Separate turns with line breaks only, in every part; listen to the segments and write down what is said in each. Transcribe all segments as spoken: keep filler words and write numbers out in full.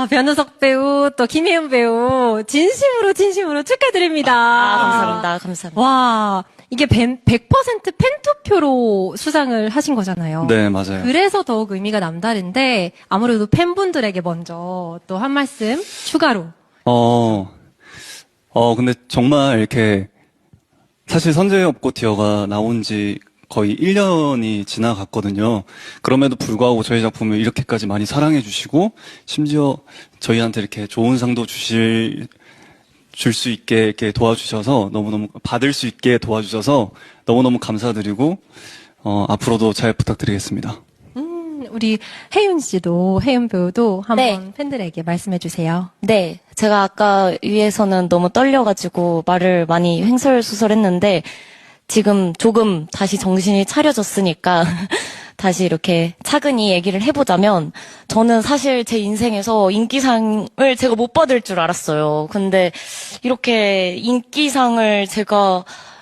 아, 변우석 배우, 또 김혜은 배우, 진심으로, 진심으로 축하드립니다.
아, 감사합니다. 감사합니다.
와, 이게 백 퍼센트 팬투표로 수상을 하신 거잖아요.
네, 맞아요.
그래서 더욱 의미가 남다른데, 아무래도 팬분들에게 먼저 또 한 말씀 추가로.
어, 어, 근데 정말 이렇게, 사실 선제협고티어가 나온 지 거의 일 년이 지나갔거든요. 그럼에도 불구하고 저희 작품을 이렇게까지 많이 사랑해 주시고, 심지어 저희한테 이렇게 좋은 상도 주실, 줄 수 있게 이렇게 도와주셔서, 너무너무, 받을 수 있게 도와주셔서 너무너무 감사드리고, 어, 앞으로도 잘 부탁드리겠습니다.
음, 우리 혜윤 씨도, 혜윤 배우도 한번
네.
팬들에게 말씀해 주세요.
네, 제가 아까 위에서는 너무 떨려가지고 말을 많이 횡설수설했는데 지금 조금 다시 정신이 차려졌으니까 다시 이렇게 차근히 얘기를 해보자면 저는 사실 제 인생에서 인기상을 제가 못 받을 줄 알았어요. 근데 이렇게 인기상을 제가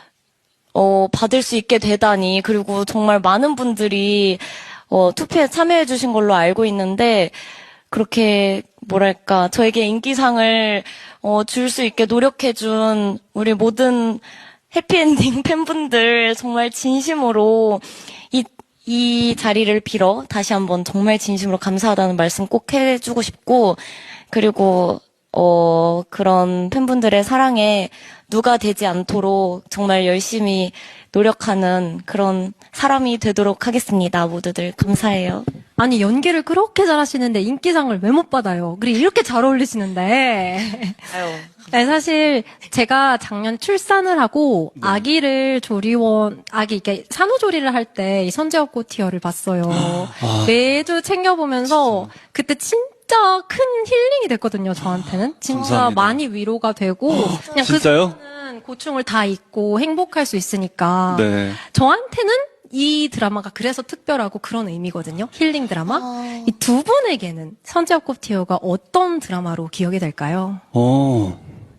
어, 받을 수 있게 되다니, 그리고 정말 많은 분들이 어, 투표에 참여해 주신 걸로 알고 있는데 그렇게 뭐랄까 저에게 인기상을 어, 줄 수 있게 노력해 준 우리 모든 해피엔딩 팬분들 정말 진심으로 이, 이 자리를 빌어 다시 한번 정말 진심으로 감사하다는 말씀 꼭 해주고 싶고, 그리고 어, 그런 팬분들의 사랑에 누가 되지 않도록 정말 열심히 노력하는 그런 사람이 되도록 하겠습니다. 모두들 감사해요.
아니, 연기를 그렇게 잘하시는데 인기상을 왜 못 받아요? 그리고 이렇게 잘 어울리시는데.
아유.
네, 사실 제가 작년 출산을 하고
네.
아기를 조리원, 아기, 이렇게 산후조리를 할 때 이 선제업고티어를 봤어요.
아.
매주 챙겨보면서 그때 진짜 큰 힐링이 됐거든요, 저한테는. 진짜
감사합니다.
많이 위로가 되고. 그냥
진짜요?
그 순간은 고충을 다 잊고 행복할 수 있으니까.
네.
저한테는 이 드라마가 그래서 특별하고 그런 의미거든요. 힐링 드라마.
아.
이 두 분에게는 선제업고티어가 어떤 드라마로 기억이 될까요?
어,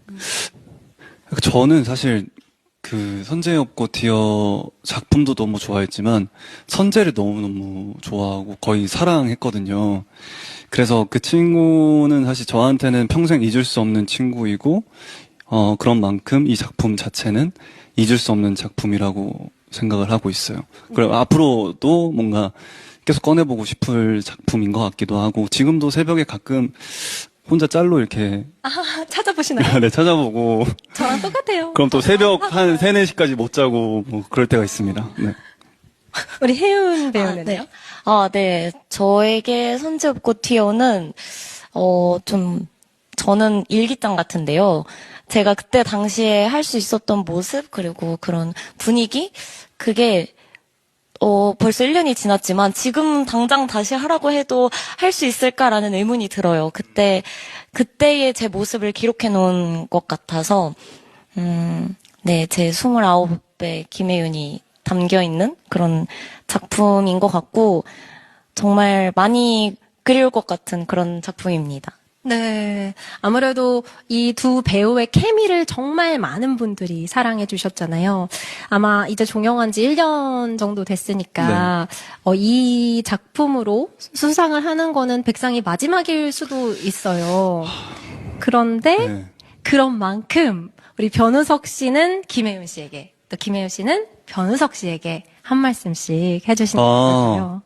저는 사실 그 선제협고티어 작품도 너무 좋아했지만 선제를 너무너무 좋아하고 거의 사랑했거든요. 그래서 그 친구는 사실 저한테는 평생 잊을 수 없는 친구이고, 어, 그런 만큼 이 작품 자체는 잊을 수 없는 작품이라고 생각을 하고 있어요. 그리고 앞으로도 뭔가 계속 꺼내보고 싶을 작품인 것 같기도 하고, 지금도 새벽에 가끔 혼자 짤로 이렇게
아, 찾아보시나요?
네, 찾아보고,
저랑 똑같아요.
그럼 또 새벽 한 세, 네 시까지 못 자고 뭐 그럴 때가 있습니다. 네.
우리 혜윤 배우는요?
아, 네. 아, 네. 저에게 선제업고티어는 어, 좀 저는 일기장 같은데요. 제가 그때 당시에 할 수 있었던 모습, 그리고 그런 분위기, 그게 어, 벌써 일 년이 지났지만 지금 당장 다시 하라고 해도 할 수 있을까라는 의문이 들어요. 그때 그때의 제 모습을 기록해 놓은 것 같아서 음, 네, 제 스물아홉의 김혜윤이 담겨 있는 그런 작품인 것 같고 정말 많이 그리울 것 같은 그런 작품입니다.
네. 아무래도 이 두 배우의 케미를 정말 많은 분들이 사랑해 주셨잖아요. 아마 이제 종영한 지 일 년 정도 됐으니까, 어, 이 작품으로 수상을 하는 거는 백상이 마지막일 수도 있어요. 그런데,
네.
그런 만큼, 우리 변우석 씨는 김혜윤 씨에게, 또 김혜윤 씨는 변우석 씨에게 한 말씀씩 해주시는
아.
거거든요.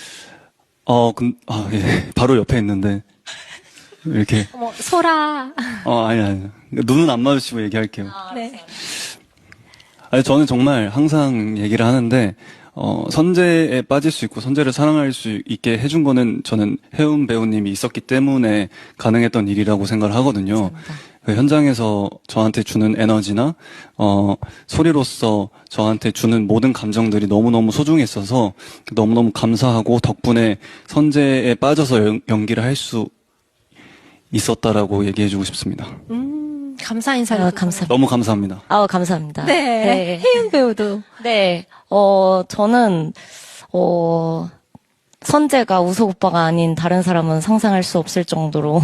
어, 근, 아, 예. 바로 옆에 있는데, 이렇게,
어머, 소라.
어, 아니, 아니. 눈은 안 마주치고 얘기할게요.
네.
아니, 저는 정말 항상 얘기를 하는데, 어, 선제에 빠질 수 있고 선제를 사랑할 수 있게 해준 거는 저는 혜은 배우님이 있었기 때문에 가능했던 일이라고 생각을 하거든요. 그 현장에서 저한테 주는 에너지나, 어, 소리로서 저한테 주는 모든 감정들이 너무너무 소중했어서 너무너무 감사하고 덕분에 선제에 빠져서 연, 연기를 할 수 있었다라고 얘기해주고 싶습니다.
음, 감사 인사를.
아,
또
감사합니다.
너무 감사합니다.
아, 감사합니다.
네. 혜윤 배우도.
네, 어, 저는, 어, 선재가 우석 오빠가 아닌 다른 사람은 상상할 수 없을 정도로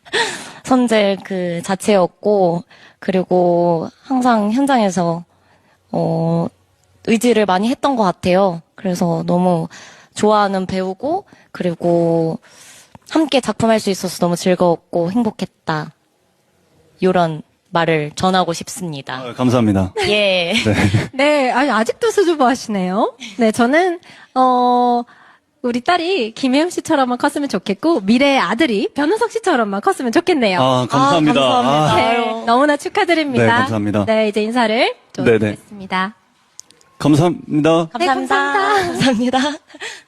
선재 그 자체였고, 그리고 항상 현장에서, 어, 의지를 많이 했던 것 같아요. 그래서 너무 좋아하는 배우고, 그리고, 함께 작품할 수 있어서 너무 즐거웠고 행복했다. 요런 말을 전하고 싶습니다.
아, 감사합니다.
예.
네, 아니, 아직도 수줍어 하시네요. 네, 저는, 어, 우리 딸이 김혜영 씨처럼만 컸으면 좋겠고, 미래의 아들이 변우석 씨처럼만 컸으면 좋겠네요.
아, 감사합니다.
아, 감사합니다.
아,
네,
아유.
너무나 축하드립니다.
네, 감사합니다.
네, 이제 인사를 좀
네네.
드리겠습니다.
감사합니다.
감사합니다.
감사합니다.
감사합니다.